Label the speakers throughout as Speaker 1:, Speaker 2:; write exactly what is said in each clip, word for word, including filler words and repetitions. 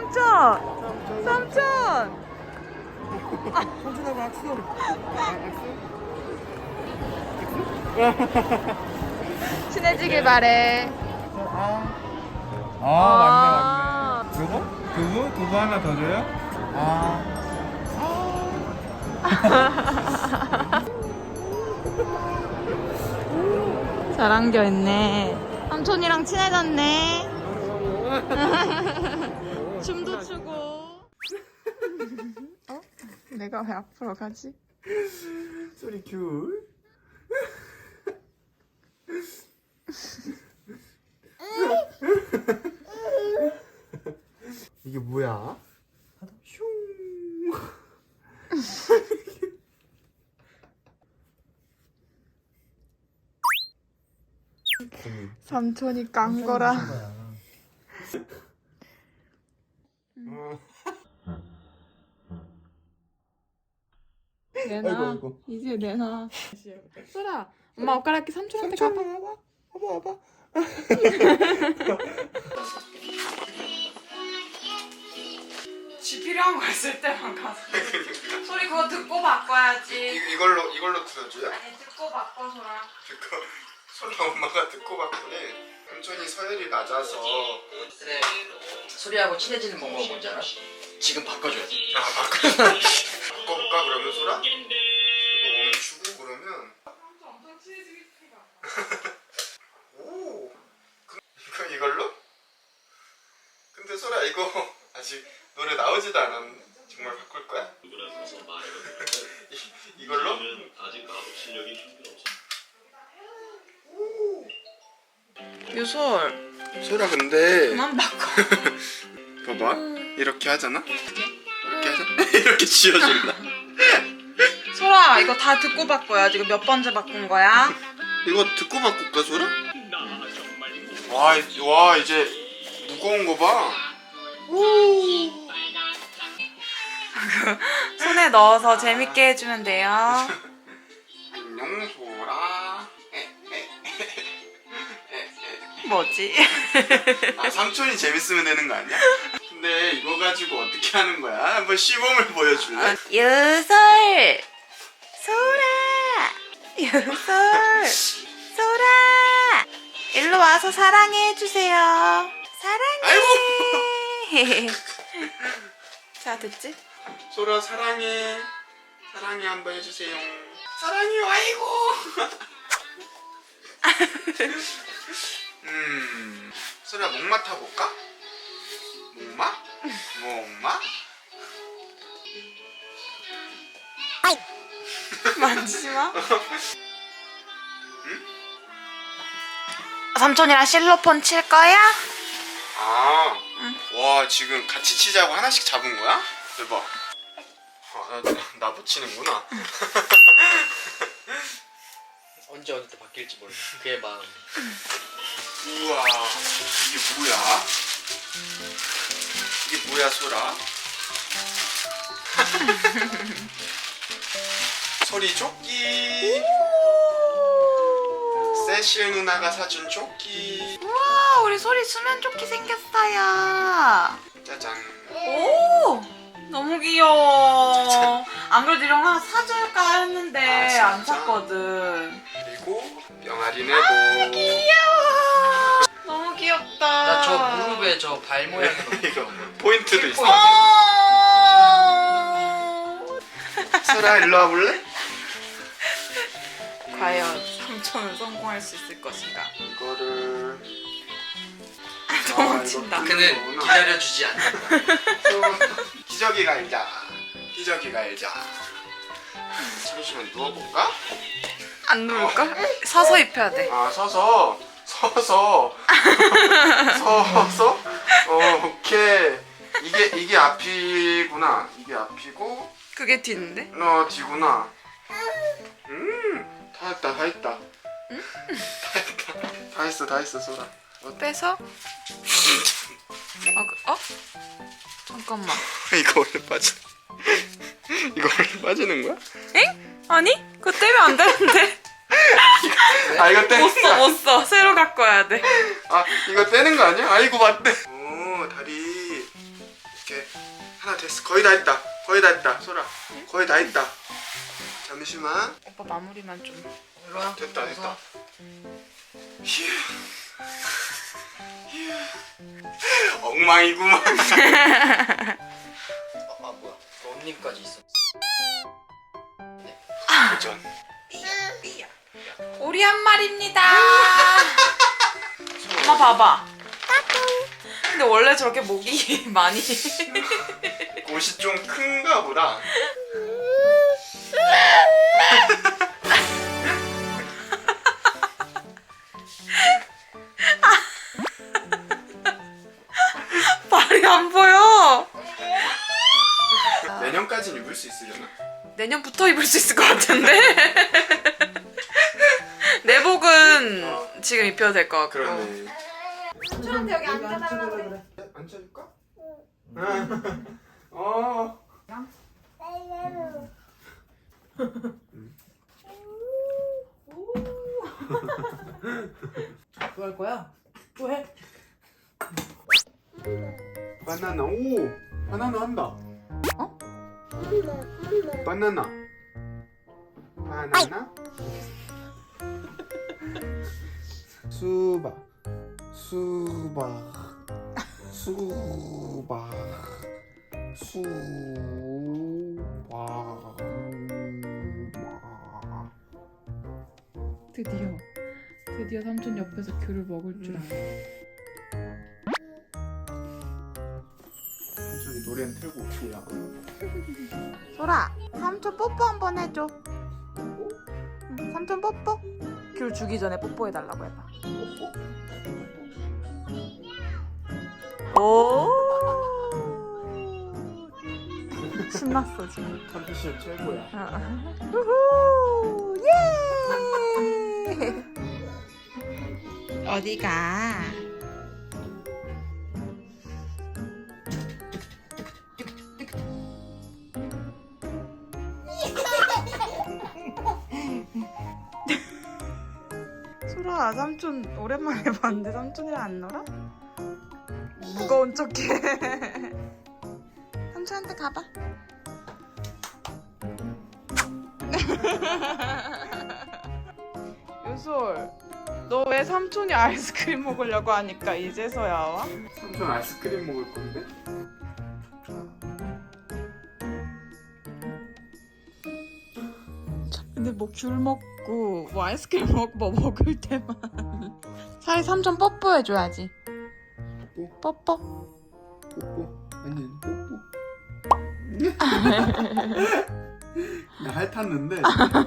Speaker 1: 삼촌! 삼촌!
Speaker 2: 삼촌하고 악수.
Speaker 1: 친해지길 바래.
Speaker 2: 아. 아, 맞네, 맞네. 두부? 두부? 두부 하나 더 줘요? 아.
Speaker 1: 잘 안겨있네. 삼촌이랑 친해졌네. 춤도 추고. 어? 내가 왜 앞으로 가지?
Speaker 2: 소리 큐. 이게 뭐야? 슝.
Speaker 1: 삼촌이 깐 거라. 내놔.
Speaker 2: 아이고, 아이고.
Speaker 1: 이제 내놔. 소라, 엄마 옷갈아입기 삼촌한테 가봐.
Speaker 2: 와봐, 와봐, 와봐.
Speaker 1: 지 필요한 거 있을 때만 가서. 소리 그거 듣고 바꿔야지.
Speaker 2: 이, 이걸로 이걸로 들어줘요?
Speaker 1: 아니 듣고 바꿔 소라.
Speaker 2: 듣고 소라 엄마가 듣고 봤더니 삼촌이 서열이 낮아서
Speaker 3: 그래 소리하고 친해지는 방법 뭔지 알아? 지금 바꿔줘야 돼.
Speaker 2: 아 바꿔 바꿔볼까 그러면 소라? 이거 멈추고 그러면
Speaker 1: 엄청 친해지겠다.
Speaker 2: 오 그, 이거 이걸로? 근데 소라 이거 아직 노래 나오지도 않았는데 정말 바꿀 거야? 이, 이걸로?
Speaker 4: 아직 가독 실력이 힘들어서.
Speaker 1: 유솔
Speaker 2: 소라 근데
Speaker 1: 그만 바꿔.
Speaker 2: 봐봐 이렇게 하잖아? 이렇게 하잖아? 이렇게 지어준다.
Speaker 1: 소라 이거 다 듣고 바꿔야지. 이거 몇 번째 바꾼 거야?
Speaker 2: 이거 듣고 바꿀까 소라? 와, 이- 와 이제 무거운 거 봐. 오.
Speaker 1: 손에 넣어서 재밌게 해주면 돼요.
Speaker 2: 안녕 소라.
Speaker 1: 뭐지?
Speaker 2: 아 삼촌이 재밌으면 되는 거 아니야? 근데 이거 가지고 어떻게 하는 거야? 한번 시범을 보여줄래?
Speaker 1: 유솔 소라 유솔 소라 일로 와서 사랑해 해주세요. 사랑해. 자 됐지?
Speaker 2: 소라 사랑해. 사랑해 한번 해주세요. 사랑해요. 아이고. 음. 소라 목 맡아볼까? 목마? 목마?
Speaker 1: 만지지 마. 삼촌이랑 실로폰 칠 거야?
Speaker 2: 아, 와 지금 같이 치자고 하나씩 잡은 거야? 대박. 아, 나, 나 붙이는구나.
Speaker 3: 언제 어디 때 바뀔지 몰라. 그의 마음.
Speaker 2: 우와, 이게 뭐야? 이게 뭐야, 소라? 소리 조끼. 세실 누나가 사준 조끼.
Speaker 1: 우와 우리 소리 수면 조끼 생겼어요.
Speaker 2: 짜잔.
Speaker 1: 오 너무 귀여워. 안 그래도 이런 거 하나 사줄까 했는데
Speaker 2: 아,
Speaker 1: 안
Speaker 2: 진짜?
Speaker 1: 샀거든.
Speaker 2: 그리고 병아리 내복.
Speaker 1: 귀여워. 너무 귀엽다.
Speaker 3: 나 저 무릎에 저 발 모양이 너무
Speaker 2: 이거 포인트도 있어.
Speaker 1: 어.
Speaker 2: 소라 일로 와볼래?
Speaker 1: 과연 삼촌은 성공할 수 있을 것인가?
Speaker 2: 이거를
Speaker 1: 도망친다.
Speaker 2: 아, 이거
Speaker 3: 그는 기다려주지 않는다.
Speaker 2: 기저귀 갈자. 기저귀 갈자. 잠시만 누워볼까?
Speaker 1: 안 누울걸? 서서 입혀야 돼.
Speaker 2: 아 서서 서서 서서 어 오케이 이게 이게 앞이구나. 이게 앞이고
Speaker 1: 그게 뒤인데?
Speaker 2: 너 뒤구나. 음다 했다 다 했다. 다 했다 다 했어 다 했어 소라.
Speaker 1: 빼서? 어? 그- 어? 잠깐만.
Speaker 2: 이거 원래 빠져. 이거 원래 빠지는 거야?
Speaker 1: 엥? 아니? 그거 떼면 안 되는데.
Speaker 2: 아 이거 떼는
Speaker 1: 못 써,
Speaker 2: 거
Speaker 1: 못 써. 새로 갖고 와야 돼.
Speaker 2: 아 이거 떼는 거 아니야? 아이고 맞대. 오 다리 오케이 하나 됐어. 거의 다 했다. 거의 다 했다. 소라 거의 다 했다. 잠시만.
Speaker 1: 오빠 마무리만 좀.
Speaker 3: 일로 와.
Speaker 2: 됐다 됐다. 휴. 휴. 엉망이구만.
Speaker 3: 아, 아 뭐야? 런닝까지 있어.
Speaker 2: 도전.
Speaker 3: 삐야 삐야.
Speaker 1: 오리 한 마리입니다. 엄마 봐봐. 근데 원래 저렇게 목이 많이.
Speaker 2: 옷이 좀 큰가 보다.
Speaker 1: 발이 안 보여.
Speaker 2: 내년까지는 입을 수 있으려나?
Speaker 1: 내년부터 입을 수 있을 것 같은데. 내복은
Speaker 2: 어.
Speaker 1: 지금 입혀도 될 것 같고.
Speaker 2: 그러네.
Speaker 1: 삼촌한테 여기 앉아달라고 그래.
Speaker 2: 앉혀줄까? 응. 어.
Speaker 3: 또 할 거야? 또 해?
Speaker 2: 바나나. 오. 바나나 한다. 어? 바나나. 바나나. 수박. 수박. 수박. 수박.
Speaker 1: 드디어 드디어 삼촌 옆에서 귤을 먹을 줄 알아.
Speaker 2: 천천히 노래는 틀고 올게요.
Speaker 1: 소라, 삼촌 뽀뽀 한번 해줘. 응, 삼촌 뽀뽀. 귤 주기 전에 뽀뽀해달라고 해봐. 오. 신났어 지금.
Speaker 2: 컨디션 최고야.
Speaker 1: 우후, 예. 어디가? 소라, 삼촌 오랜만에 봤는데 삼촌이랑 안 놀아? 무거운 척해. 삼촌한테 가봐. 유솔, 너 왜 삼촌이 아이스크림 먹으려고 하니까 이제서야 와?
Speaker 2: 삼촌 아이스크림 먹을 건데?
Speaker 1: 근데 뭐 귤 먹고 뭐 아이스크림 먹고 뭐 먹을 때만 차라리 삼촌 뽀뽀해줘야지.
Speaker 2: 뽀뽀?
Speaker 1: 뽀뽀.
Speaker 2: 뽀뽀? 아니 뽀뽀. 나 핥았는데.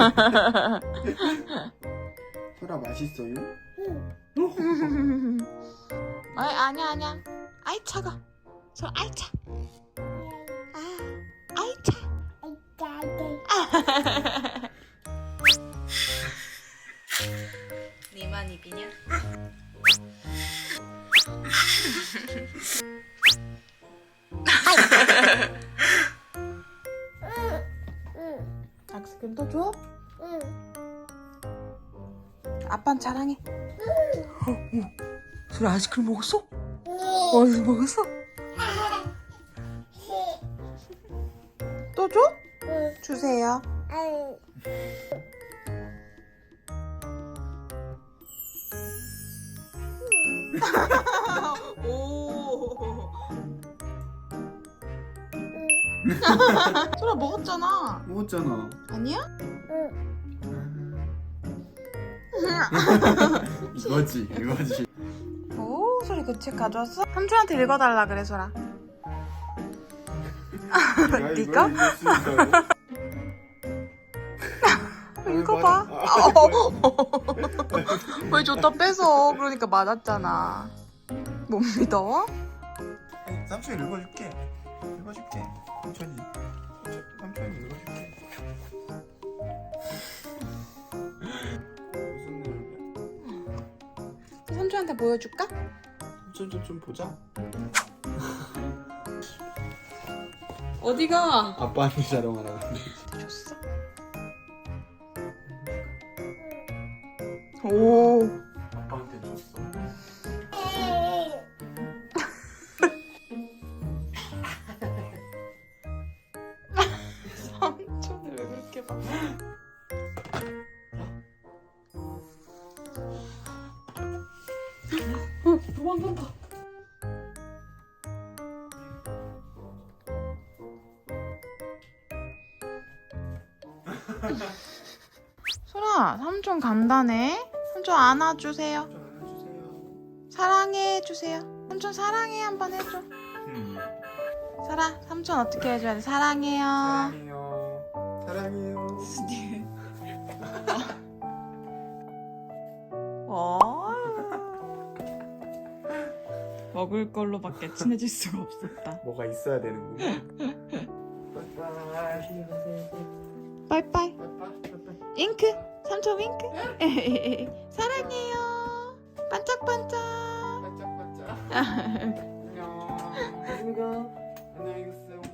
Speaker 2: 소라 맛있어요?
Speaker 1: 아이, 아니야 아니야. 아이 차가. 저 아이 차. 아, 아이 차. 니만 입이냐? 아이스크림 또 줘? 응. 아빠는 자랑해. 응. 소리 아이스크림 먹었어? 어디서 먹었어? 또 줘? 응. 주세요. 오. 소라 먹었잖아.
Speaker 2: 먹었잖아.
Speaker 1: 아니야?
Speaker 2: 이거지 이거지.
Speaker 1: 오, 소리 그 책 가져왔어? 삼촌한테 읽어달라 그래, 소라.
Speaker 2: 내가
Speaker 1: 네가?
Speaker 2: 이걸 읽을 수 있어요?
Speaker 1: 읽어봐.
Speaker 2: 아,
Speaker 1: 왜 줬다 뺏어? 그러니까 맞았잖아. 못 믿어?
Speaker 2: 삼촌이 읽어줄게. 읽어줄게. 삼촌이. 삼촌이 읽어줄게. 무슨 내용이야?
Speaker 1: 삼촌한테 보여줄까?
Speaker 2: 삼촌 좀 보자.
Speaker 1: 어디가?
Speaker 2: 아빠한테 자랑하라.
Speaker 1: 줬어? 오.
Speaker 2: 아빠한테 줬어.
Speaker 1: 도망간다. 소라, 삼촌 간다네. 삼촌 안아주세요.
Speaker 2: 안아주세요.
Speaker 1: 사랑해 주세요. 삼촌 사랑해 한번 해줘.
Speaker 2: 음.
Speaker 1: 소라, 삼촌 어떻게 해줘야 돼? 사랑해요.
Speaker 2: 사랑해요. 사랑해요.
Speaker 1: 어. 먹을 걸로밖에 친해질 수가 없었다.
Speaker 2: 뭐가 있어야 되는구나. 빠이빠이.
Speaker 1: 빠이빠이.
Speaker 2: 빠이빠이.
Speaker 1: 잉크. 삼촌 잉크. 사랑해요. 반짝반짝.
Speaker 2: 반짝반짝. 안녕. 안녕히 가. 안녕히 계세요.